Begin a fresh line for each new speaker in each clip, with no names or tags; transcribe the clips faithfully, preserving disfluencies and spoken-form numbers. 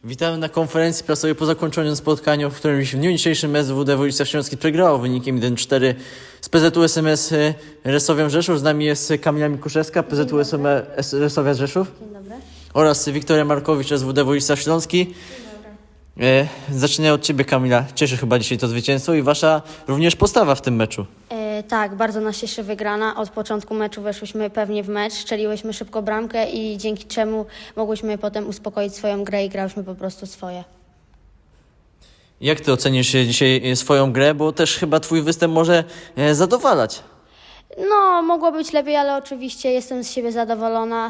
Witamy na konferencji prasowej po zakończonym spotkaniu, w którym w dniu dzisiejszym S W D Wojciech Śląski przegrało wynikiem jeden cztery z P Z U S M S Resowią Rzeszów. Z nami jest Kamila Mikuszewska, P Z U S M S Resowia Rzeszów.
Dzień dobry.
Oraz Wiktoria Markowicz, S W D Wojciech Śląski. Dzień dobry. E, zaczynając od Ciebie, Kamila. Cieszy chyba dzisiaj to zwycięstwo i Wasza również postawa w tym meczu.
E, tak, bardzo nas cieszy wygrana. Od początku meczu weszłyśmy pewnie w mecz, strzeliłyśmy szybko bramkę i dzięki czemu mogłyśmy potem uspokoić swoją grę i grałyśmy po prostu swoje.
Jak Ty ocenisz dzisiaj swoją grę, bo też chyba Twój występ może e, zadowalać?
No, mogło być lepiej, ale oczywiście jestem z siebie zadowolona.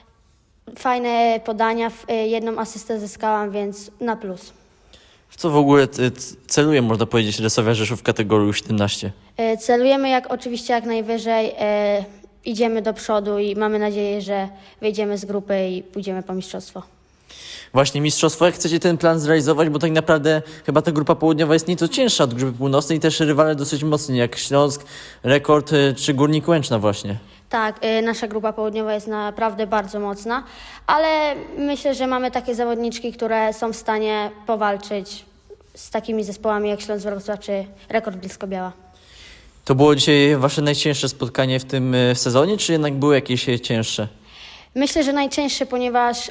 Fajne podania, w- e, jedną asystę zyskałam, więc na plus.
W co w ogóle c- c- celuje, można powiedzieć, Resowia Rzeszów w kategorii U siedemnaście?
E, celujemy jak oczywiście jak najwyżej, e, idziemy do przodu i mamy nadzieję, że wyjdziemy z grupy i pójdziemy po mistrzostwo.
Właśnie mistrzostwo, jak chcecie ten plan zrealizować, bo tak naprawdę chyba ta grupa południowa jest nieco cięższa od grupy północnej i też rywale dosyć mocni, jak Śląsk, Rekord y, czy Górnik Łęczna właśnie.
Tak, y, nasza grupa południowa jest naprawdę bardzo mocna, ale myślę, że mamy takie zawodniczki, które są w stanie powalczyć z takimi zespołami jak Śląsk Wrocław czy Rekord Bielsko-Biała.
To było dzisiaj wasze najcięższe spotkanie w tym y, sezonie, czy jednak były jakieś y, cięższe?
Myślę, że najcięższe, ponieważ y,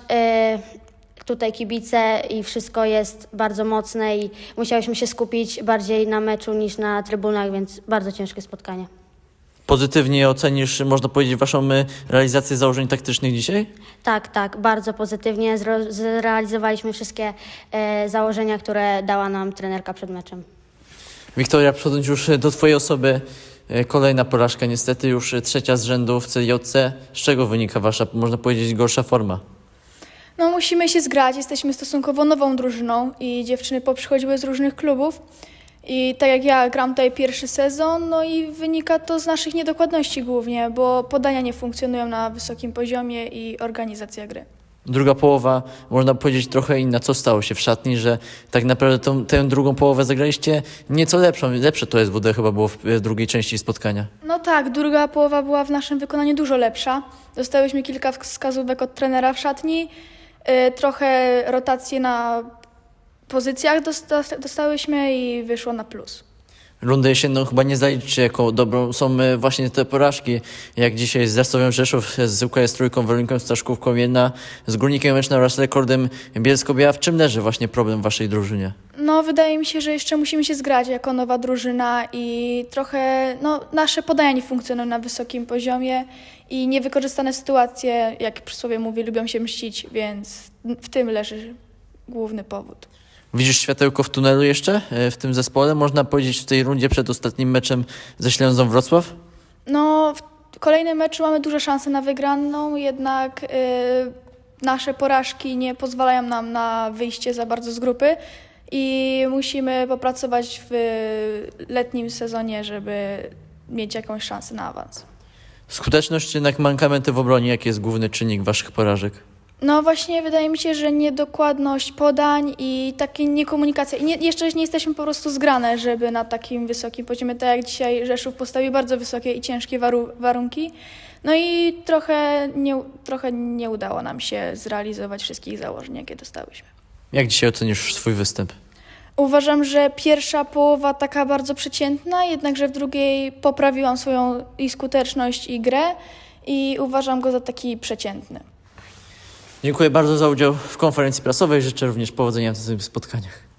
tutaj kibice i wszystko jest bardzo mocne i musiałyśmy się skupić bardziej na meczu niż na trybunach, więc bardzo ciężkie spotkanie.
Pozytywnie ocenisz, można powiedzieć, waszą y, realizację założeń taktycznych dzisiaj?
Tak, tak, bardzo pozytywnie zro- zrealizowaliśmy wszystkie e, założenia, które dała nam trenerka przed meczem.
Wiktoria, przechodząc już do twojej osoby, y, kolejna porażka, niestety już y, trzecia z rzędu w C J C. Z czego wynika wasza, można powiedzieć, gorsza forma?
No musimy się zgrać, jesteśmy stosunkowo nową drużyną i dziewczyny poprzychodziły z różnych klubów i tak jak ja gram tutaj pierwszy sezon, no i wynika to z naszych niedokładności głównie, bo podania nie funkcjonują na wysokim poziomie i organizacja gry.
Druga połowa, można powiedzieć, trochę inna. Co stało się w szatni, że tak naprawdę tą, tę drugą połowę zagraliście nieco lepszą. Lepsze to S W D chyba było w w drugiej części spotkania.
No tak, druga połowa była w naszym wykonaniu dużo lepsza. Dostałyśmy kilka wskazówek od trenera w szatni, y, trochę rotacje na pozycjach dosta- dostałyśmy i wyszło na plus.
Rundę jesienną chyba nie zaliczycie jako dobrą. Są e, właśnie te porażki, jak dzisiaj z Resowią Rzeszów, z U K S Trójką, Weroninką Staszkówką jedna, z Górnikiem Łęczna oraz Rekordem Bielsko-Biała. W czym leży właśnie problem w waszej drużynie?
No, wydaje mi się, że jeszcze musimy się zgrać jako nowa drużyna i trochę, no, nasze podania nie funkcjonują na wysokim poziomie i niewykorzystane sytuacje, jak przysłowie mówi, lubią się mścić, więc w tym leży główny powód.
Widzisz światełko w tunelu jeszcze e, w tym zespole? Można powiedzieć w tej rundzie przed ostatnim meczem ze Ślęzą Wrocław?
No, w kolejnym meczu mamy duże szanse na wygraną, jednak y, nasze porażki nie pozwalają nam na wyjście za bardzo z grupy i musimy popracować w letnim sezonie, żeby mieć jakąś szansę na awans.
Skuteczność czy jednak mankamenty w obronie? Jaki jest główny czynnik waszych porażek?
No właśnie, wydaje mi się, że niedokładność podań i takie niekomunikacja. I nie, jeszcze nie jesteśmy po prostu zgrane, żeby na takim wysokim poziomie, tak jak dzisiaj Rzeszów postawił bardzo wysokie i ciężkie waru- warunki. No i trochę nie, trochę nie udało nam się zrealizować wszystkich założeń, jakie dostałyśmy.
Jak dzisiaj ocenisz swój występ?
Uważam, że pierwsza połowa taka bardzo przeciętna, jednakże w drugiej poprawiłam swoją i skuteczność i grę i uważam go za taki przeciętny.
Dziękuję bardzo za udział w konferencji prasowej. Życzę również powodzenia w tych spotkaniach.